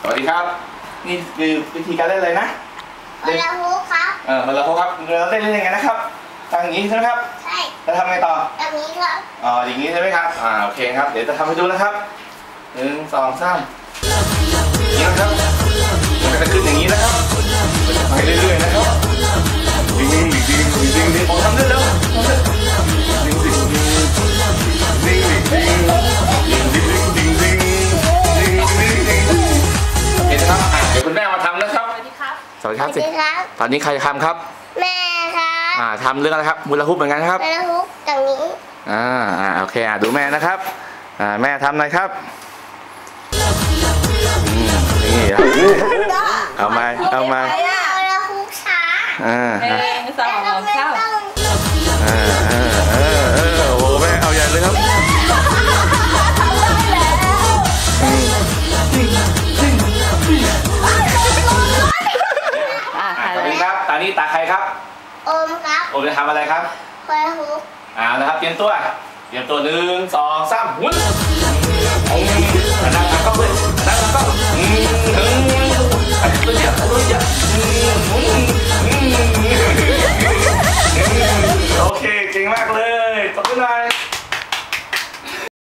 สวัสดีครับนี่คือวิธีการเล่นเลยนะฮอลลาฮูปครับฮอลลาฮูปครับเราเล่นยังไงนะครับทางอย่างนี้ใช่ไหมครับใช่แล้วทำไงต่อแบบนี้ครับอย่างนี้ใช่ไหมครับโอเคครับเดี๋ยวจะทำให้ดูนะครับ1 2 3อย่างนี้นะครับมันจะขึ้นอย่างนี้นะครับไปเรื่อยๆนะครับดิ้งดิ้งดิ้งดิ้งดิ้งผมทำได้แล้วดิ้งดิ้งดิ้งดิ้งดิ้งดิ้งดิ้งดิ้งดิ้งดิ้งดิ้งดิ้งเห็นไหมครับเดี๋ยวคุณแม่มาทำนะครับสวัสดีครับสวัสดีครับตอนนี้ใครทำครับแม่ครับทำเรื่องอะไรครับฮูลาฮูปเหมือนกันครับฮูลาฮูปอย่างนี้โอเคดูแม่นะครับแม่ทำหน่อยครับนี่เอามาฮูลาฮูปช้า 1 2 3 โอ้แม่เอาใหญ่เลยครับตอนนี้ครับตอนนี้ตาใครครับโอมครับโอมจะทำอะไรครับฮูลาฮูปนะครับเตรียมตัว1 2 3หมุน